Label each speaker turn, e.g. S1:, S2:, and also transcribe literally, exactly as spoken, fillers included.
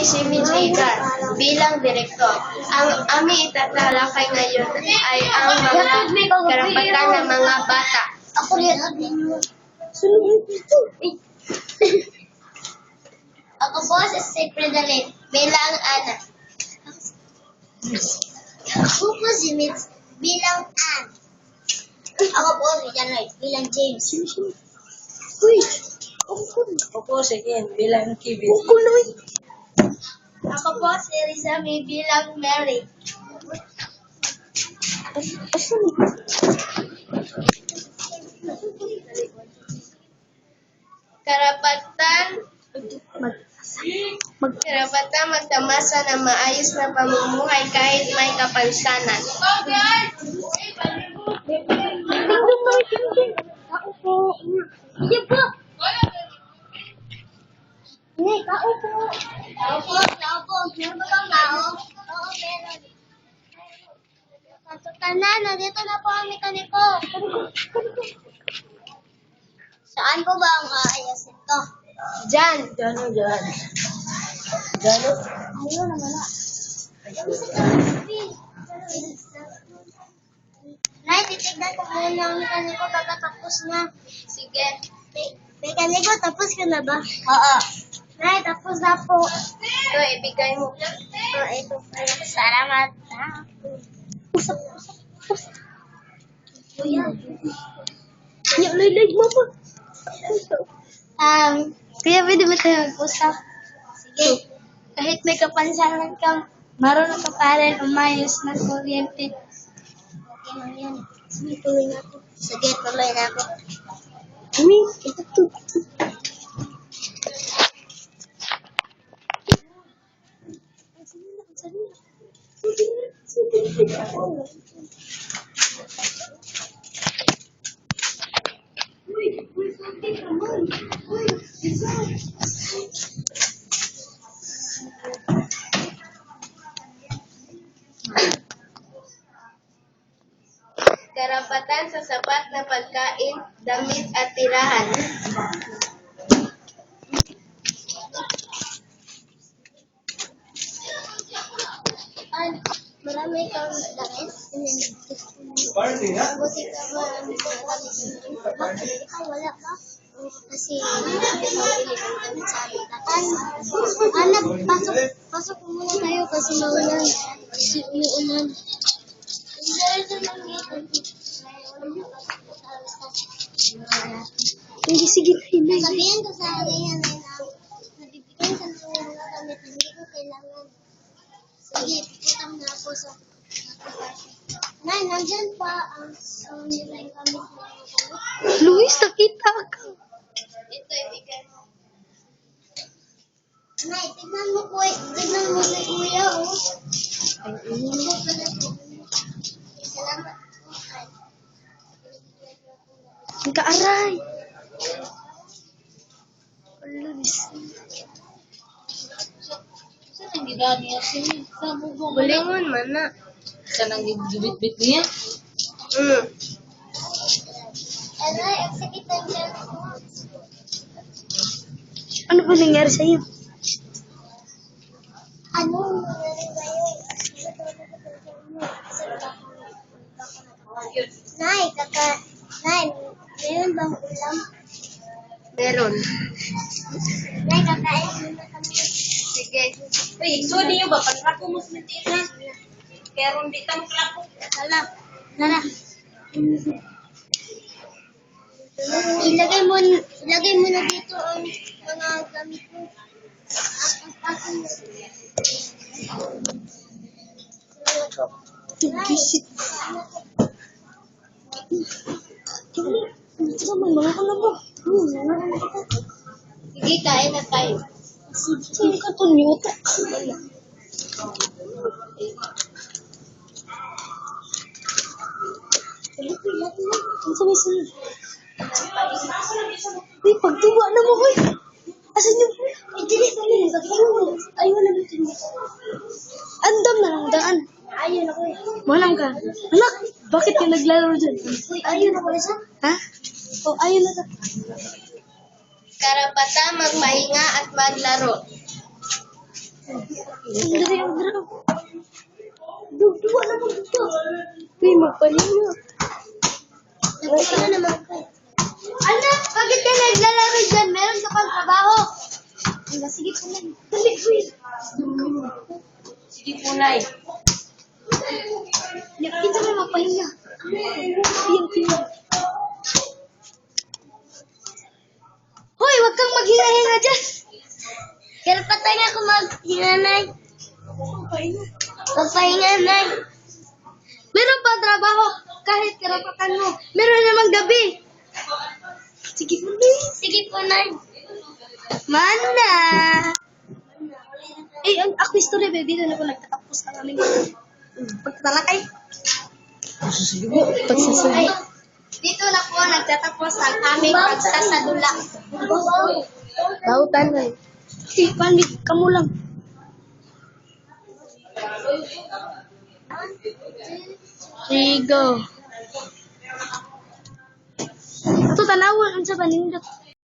S1: si Miz Ida bilang direktor. Ang aming itatalakay ngayon ay ang mga karapatan ng mga bata.
S2: Ako rin. Ako po si Secretary bilang Ana. Ako po si Mitz bilang Ann. Ako po si Janay bilang James.
S3: Uy! Ako po si Ken bilang Kevin.
S2: Ako po si Rizami bilang Mary.
S1: Karapatan Karapatan magtamasa ng maayos na pamumuhay kahit may kapansanan.
S2: Ako po. Yan po. Hey, tao po. Tao po, tao po. Meron ba bang tao? Oo, meron. Tanan, nandito na po ang mekaniko. Saan po ba ang aayos ito?
S1: Diyan.
S3: Diyan o, diyan. Diyan o.
S2: Ayun, nawala. Nay, titignan ko muna ang mekaniko pagkatapos na.
S1: Sige.
S2: Mekaniko, tapos ka na ba? Oo. Nay, tapos na po.
S1: Ito, ibigay mo.
S2: Oh, ito po. Salamat. Usap, usap, usap. Kuya.
S3: Yung lilig mo po.
S2: Um, kuya, pwede ba tayo mag-usap? Sige. Kahit may kapansanan kang marunong ka pa rin umayos ng kuryente. Okay lang yan. Sige, tuloy na ako. Sige, tuloy na ako.
S3: Uy, ito to.
S1: Karapatan sa sapat na pagkain, damit at tirahan.
S2: Ay, marami kang damit. Buti ka marami kang damit. Bakit ikaw wala ba? Kasi marami kang bili ng damit sa amin. Anak, pasok, pasok muna tayo kasi maulan. Kasi umuulan.
S3: Hindi, sige na, hinay.
S2: Sabihin ko sa kanya na nabibigyan ka ng mga damit na hindi ko kailangan. Sige, pupunta na ako sa Nay, nandyan pa ang ang nilang gamit ng mga gamit.
S3: Luis, nakita ka.
S1: Ito, ibigay mo.
S2: Nay, tignan mo po, tignan mo si Kuya, oh. Salamat po.
S3: Ang kaaray. Luis.
S4: Saan ang gidaan niya siya? Sa bubong.
S1: Bulingon man na.
S4: Saan ang gibit-bit niya?
S1: Mm.
S2: Eh, Nay, sige tayo dyan.
S3: Ano ba nangyari sa'yo?
S2: Ano nangyari sa'yo? Nay, kaka... Nay, mayroon bang ulam?
S1: Meron.
S2: Nay, kakain muna kami.
S1: Sige.
S4: Uy, so di nyo ba? Panrapo mo sa mentira. Kaya ron di tamo klapo.
S2: Hala, Nara. Ilagay mo, ilagay mo na dito ang mga gamit mo. Ang
S3: Tugisit. Ito naman, mga kalabo.
S1: Sige, kain na tayo.
S3: Sige ka to, niyota. Ang sabi-sabi. Uy, pagtuwa na mo, uy. Asan yung...
S2: Hindi, hindi.
S3: Ayaw na natin. Andam na lang daan.
S2: Ayun ako eh.
S3: Manam ka. Anak, bakit ka naglalaro dyan?
S2: Uy, ayun ako na siya.
S3: Ha? Oh, ayaw na ka.
S1: Karapatan magpahinga at maglaro.
S2: Dali ang drum. Dugduwa na mo dito. Uy, magpalinga. Nagpalinga naman ko. Anak, bakit ka naglalaro dyan? Meron ka pang trabaho. Wala, sige po lang. Dali, uy.
S3: Sige po, Nay.
S2: Yakin sa may magpalinga. Piyang, piyang. Hoy, wag kang maghinga-hinga dyan. Kaya patay nga ako maghinga, Nay. Magpahinga, Nay. Meron pa trabaho kahit karapatan mo. Meron namang gabi. Sige po, Nay. Sige po, Nay. Mana. Eh, ang ako story, baby. Dito na po nagtatapos ang aming pagtatalakay. Pagsasabi. Dito na po nagtatapos ang aming pagsasadula. Bautan, Nay. Si Pandig, kamu lang. Sige. Ito tanawon, ang sa panindot.